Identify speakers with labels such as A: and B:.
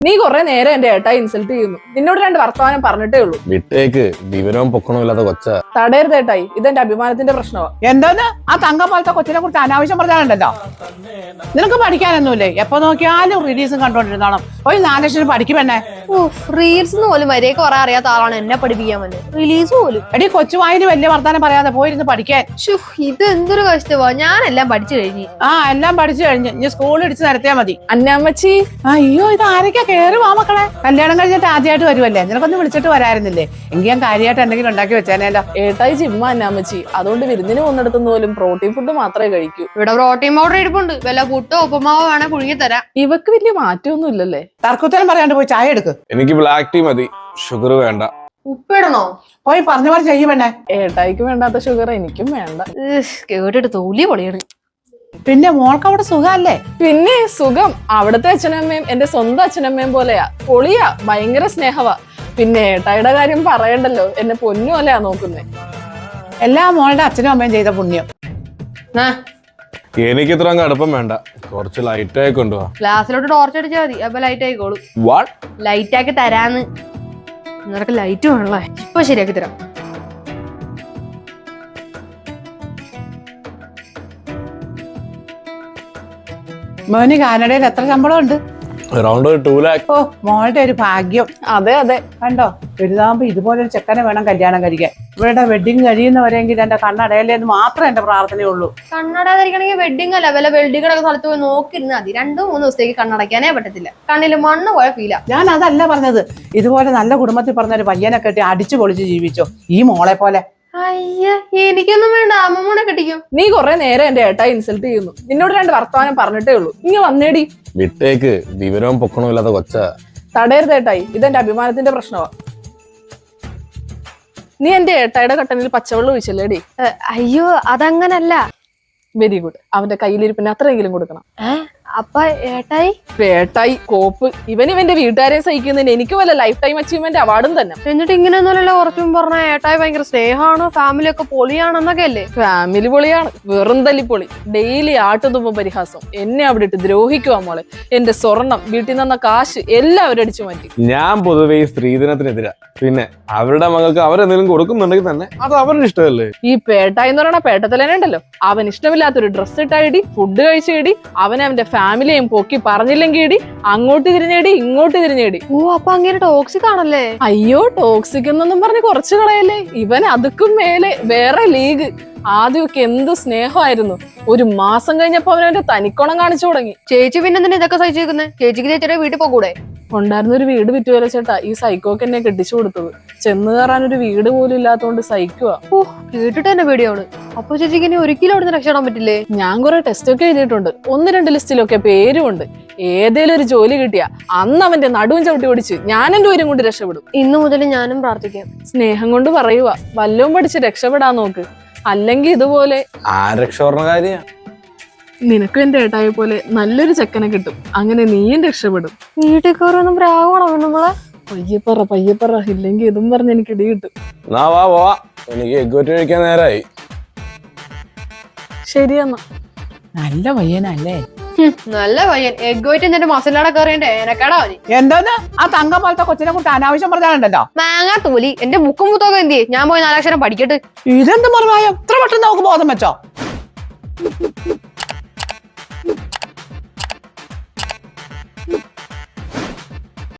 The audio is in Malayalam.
A: നീ കുറെ നേരം എന്റെ ഏട്ടായി ഇൻസൾട്ട് ചെയ്യുന്നു. നിന്നോട് രണ്ട് വർത്തമാനം പറഞ്ഞിട്ടേ ഉള്ളൂ.
B: വിട്ടേക്ക്, വിവരവും പൊക്കണമില്ലാത്ത കൊച്ച.
A: തടയരുത് ഏട്ടായി, ഇതെന്റെ അഭിമാനത്തിന്റെ പ്രശ്നമാണ്.
C: എന്താന്ന് ആ തങ്കം പോലത്തെ കൊച്ചിനെ കുറിച്ച് അനാവശ്യം പറഞ്ഞാലുണ്ടല്ലോ. നിനക്ക് പഠിക്കാനൊന്നുമില്ലേ? എപ്പോ നോക്കിയാലും റീൽസും കണ്ടോണ്ടിരുന്നോണം. ഒരു 4 ലക്ഷം പഠിക്കുമെന്നെ.
D: റീൽസ് പോലും വരെ കുറെ അറിയാത്ത ആളാണ് എന്നെ പഠിപ്പിക്കാൻ വന്നത്. റിലീസ് പോലും
C: എടി കൊച്ചുവായിന് വലിയ വർത്താനം പറയാതെ പോയിരുന്ന് പഠിക്കാൻ.
D: ഇത് എന്തൊരു കഷ്ടമാ. ഞാനെല്ലാം പഠിച്ചു കഴിഞ്ഞു.
C: എല്ലാം പഠിച്ചു കഴിഞ്ഞ് ഇനി സ്കൂളിൽ ഇടിച്ച് നിരത്തിയാ മതി.
A: അന്നാമ്മച്ചി,
C: അയ്യോ ഇത് ആരൊക്കെ കേറി വാ മക്കളെ. കല്യാണം കഴിഞ്ഞിട്ട് ആദ്യമായിട്ട് വരുമല്ലേ, നിനക്കൊന്ന് വിളിച്ചിട്ട് വരായിരുന്നില്ലേ? എങ്കിൽ ഞാൻ കാര്യമായിട്ട് എന്തെങ്കിലും ഉണ്ടാക്കി വെച്ചേനല്ലോ.
A: ഏട്ടായി ജിമ്മ അന്നാമ്മച്ചി, അതുകൊണ്ട് വിരുന്നിന് പോകുന്നിടത്തുനിന്ന് പോലും പ്രോട്ടീൻ ഫുഡ് മാത്രമേ കഴിക്കൂ.
D: ഇവിടെ പ്രോട്ടീൻ പൗഡർ ഇരിപ്പുണ്ട്. വല്ല പുട്ടോ ഉപ്പുമാവോ വേണേ പുഴുങ്ങി തരാം.
A: ഇവക്ക് വലിയ മാറ്റമൊന്നും ഇല്ലല്ലേ?
C: തർക്കുത്തരം പറയാണ്ട് പോയി ചായ എടുക്ക്.
B: എനിക്ക് ബ്ലാക്ക് ടീ മതി, ഷുഗർ വേണ്ട.
D: ഉപ്പിടണോ?
C: പോയി പറഞ്ഞ പോലെ ചെയ്യുമെന്നെ.
A: ഏട്ടായിക്ക് വേണ്ടാത്ത ഷുഗർ എനിക്കും വേണ്ട.
D: കേട്ടിട്ട് തോലി പൊളിയാണ്.
C: പിന്നെ മോൾക്ക് അവിടെ സുഖല്ലേ?
A: പിന്നെ സുഖം. അവിടുത്തെ അച്ഛനമ്മയും എന്റെ സ്വന്തം അച്ഛനമ്മയും പോലെയാ. പൊളിയാ, ഭയങ്കര സ്നേഹവാ. പിന്നെ ഏട്ടായിയുടെ കാര്യം പറയണ്ടല്ലോ, എന്നെ പൊന്നു പോലെയാ നോക്കുന്നേ.
C: എല്ലാ മോളുടെ അച്ഛനും അമ്മയും ചെയ്ത പുണ്യം.
B: എനിക്ക് ഇത്ര അടുപ്പം വേണ്ട, കുറച്ച് ലൈറ്റ് ആയി കൊണ്ടുപോവാ.
D: ഗ്ലാസ്സിലോട്ട് ടോർച്ച് അടിച്ചാൽ മതി, അപ്പൊ ലൈറ്റ് ആയിക്കോളൂ.
B: വാട്ട്?
D: ലൈറ്റ് ആക്കി തരാന്ന്. നിനക്ക് ലൈറ്റ് വേണല്ലേ? ഇപ്പൊ ശരിയാക്കി തരാം.
C: മോന് കാനഡയിൽ എത്ര ശമ്പളം ഉണ്ട്?
B: Around 2 lakh.
C: ഓ മോളുടെ ഒരു ഭാഗ്യം.
A: അതെ അതെ,
C: കണ്ടോ, വലുതാകുമ്പോ ഇതുപോലെ ഒരു ചെക്കനെ വേണം കല്യാണം കഴിക്കാൻ. ഇവരുടെ വെഡിങ് കഴിയുന്നവരെങ്കിൽ എന്റെ കണ്ണടയല്ലേ എന്ന് മാത്രമേ എന്റെ പ്രാർത്ഥനയുള്ളൂ.
D: കണ്ണടയാതിരിക്കണമെങ്കിൽ വെഡിങ് അല്ല, വല്ല വെൽഡിങ്ങൊക്കെ സ്ഥലത്ത് പോയി നോക്കിയിരുന്നാൽ മതി. 2-3 ദിവസത്തേക്ക് കണ്ണടയ്ക്കാനേ പറ്റത്തില്ല. കണ്ണില് മണ്ണ് പോയ ഫീലാ.
C: ഞാൻ അതല്ല പറഞ്ഞത്, ഇതുപോലെ നല്ല കുടുംബത്തിൽ പറഞ്ഞൊരു പയ്യനെ കെട്ടി അടിച്ചു പൊളിച്ച് ജീവിച്ചോ ഈ മോളെ പോലെ.
D: അയ്യ, എനിക്കൊന്നും വേണ്ട, അമ്മൂനെ കെട്ടിക്കോ.
A: നീ കുറെ നേരം എന്റെ ഏട്ടായി ഇൻസൾട്ട് ചെയ്യുന്നു. നിന്നോട് രണ്ട് വർത്തമാനം പറഞ്ഞിട്ടേ ഉള്ളൂ. ഇങ്ങ വന്നേടി.
B: വിട്ടേക്ക്, വിവരവും പൊക്കണമില്ലാത്ത കൊച്ച.
A: തടയരുത് ഏട്ടായി, ഇതെന്റെ അഭിമാനത്തിന്റെ പ്രശ്നമാണ്. നീ എന്റെ ഏട്ടായിയുടെ കട്ടനിൽ പച്ചവെള്ളം ഒഴിച്ചല്ലേടി?
D: അയ്യോ അതങ്ങനല്ല.
A: Very good. അവന്റെ കയ്യിലിരിപ്പിന് അത്രയെങ്കിലും കൊടുക്കണം.
D: അപ്പ ഏട്ടായി?
A: ഏട്ടായി കോപ്പ്. ഇവന്റെ വീട്ടുകാരെയും സഹിക്കുന്നതിന് എനിക്ക് വല്ല ലൈഫ് ടൈം അച്ചീവ്മെന്റ് അവാർഡും തന്നെ.
D: എന്നിട്ട് ഇങ്ങനെയൊന്നുമല്ലോ കുറച്ചും പറഞ്ഞ ഏട്ടായി ഭയങ്കര സ്നേഹമാണ്, ഫാമിലി ഒക്കെ പൊളിയാണെന്നൊക്കെ അല്ലേ?
A: ഫാമിലി പൊളിയാണ്, വെറും തല്ലിപ്പൊളി. ഡെയിലി ആട്ടുതുമ്പ പരിഹാസം. എന്നെ അവിടെ ഇട്ട് ദ്രോഹിക്കുവാ മോളെ. എന്റെ സ്വർണം, വീട്ടിൽ നിന്ന കാശ് എല്ലാം അവരടിച്ചു മാറ്റി.
B: ഞാൻ പൊതുവെ ഈ സ്ത്രീധനത്തിനെതിരാ. പിന്നെ അവരുടെ മകൾക്ക് അവരെന്തെങ്കിലും കൊടുക്കുന്നുണ്ടെങ്കിൽ തന്നെ അത് അവരുടെ ഇഷ്ടമല്ലേ.
A: ഈ പേട്ടായി എന്ന് പറയുന്ന പേട്ടത്തലേനെ ഉണ്ടല്ലോ, അവൻ ഇഷ്ടമില്ലാത്തൊരു ഡ്രസ്സ് ഇട്ടായിടി, ഫുഡ് കഴിച്ചേടി, അവന്റെ ഫാമിലിയും പൊക്കി പറഞ്ഞില്ലെങ്കിൽ ഇടി, അങ്ങോട്ട് തിരിഞ്ഞേടി ഇങ്ങോട്ട് തിരിഞ്ഞേടി.
D: ഓ അപ്പൊ അങ്ങനെ ടോക്സിക് ആണല്ലേ?
A: അയ്യോ ടോക്സിക് എന്നൊന്നും പറഞ്ഞ് കുറച്ചു കളയല്ലേ. ഇവൻ അതുക്കും മേലെ വേറെ ലീഗ്. ആദ്യമൊക്കെ എന്ത് സ്നേഹമായിരുന്നു. ഒരു മാസം കഴിഞ്ഞപ്പോ അവനവന്റെ തനിക്കോണം കാണിച്ചു തുടങ്ങി.
D: ചേച്ചി പിന്നെ എന്തിനാ ഇതൊക്കെ സഹിച്ചേക്കുന്നത്? ചേച്ചിക്ക് ചേച്ചിയുടെ വീട്ടിൽ പോകൂടെ?
A: ഉണ്ടായിരുന്ന ഒരു വീട് വിറ്റുവല്ല ചേട്ടാ ഈ സൈക്കോക്ക് എന്നെ കെട്ടിച്ചു കൊടുത്തത്. ചെന്ന് കയറാൻ ഒരു വീട് പോലും ഇല്ലാത്തോണ്ട് സഹിക്കുക.
D: ഓ കേട്ടിട്ട് തന്നെ പേടിയാണ്. അപ്പൊ ചേച്ചിക്ക് ഇനി ഒരിക്കലും അവിടുന്ന് രക്ഷപ്പെടാൻ പറ്റില്ലേ?
A: ഞാൻ കുറെ ടെസ്റ്റ് ഒക്കെ എഴുതിയിട്ടുണ്ട്. 1-2 ലിസ്റ്റിലൊക്കെ പേരുമുണ്ട്. ഏതേലും ഒരു ജോലി കിട്ടിയ അന്ന് അവന്റെ നടുവും ചവിട്ടി ഓടിച്ച് ഞാൻ എന്റെ ഊരും കൊണ്ട് രക്ഷപ്പെടും.
D: ഇന്നു മുതൽ ഞാനും പ്രാർത്ഥിക്കാം.
A: സ്നേഹം കൊണ്ട് പറയുക, വല്ലവും പഠിച്ച് രക്ഷപ്പെടാൻ നോക്ക്. അല്ലെങ്കിൽ ഇതുപോലെ
B: രക്ഷപ്പെടുന്ന
A: നിനക്കും എന്റെ ഏട്ടായ പോലെ നല്ലൊരു ചെക്കനെ കിട്ടും. അങ്ങനെ നീയും രക്ഷപ്പെടും.
D: വീട്ടിൽ കയറൊന്നും പ്രാവണം നമ്മളെ.
A: പയ്യപ്പറ ഇല്ലെങ്കിൽ ഇതും പറഞ്ഞ് എനിക്ക് ഇടി കിട്ടും.
B: എനിക്ക് എഗ്ഗോറ്റ് കഴിക്കാൻ നേരായി.
A: ശരിയെന്നാ.
C: നല്ല പയ്യനല്ലേ?
D: നല്ല പയ്യൻ. എഗ്ഗോയിട്ട് എന്നിട്ട് മസാല കയറിയണ്ടേ എനക്കടാ അവന്.
C: എന്താന്ന് ആ തങ്കം പോലത്തെ കൊച്ചിനെ കുറിച്ച് അനാവശ്യം പറഞ്ഞാലുണ്ടല്ലോ.
D: മാങ്ങാ തോലി. എന്റെ ബുക്കും പുത്തൊക്കെ എന്ത് ചെയ്യും? ഞാൻ പോയി 4 അക്ഷരം പഠിക്കട്ടെ.
C: ഇതെന്ത് മറുപായം? ഇത്ര പെട്ടെന്ന് നമുക്ക് ബോധം വെച്ചോ?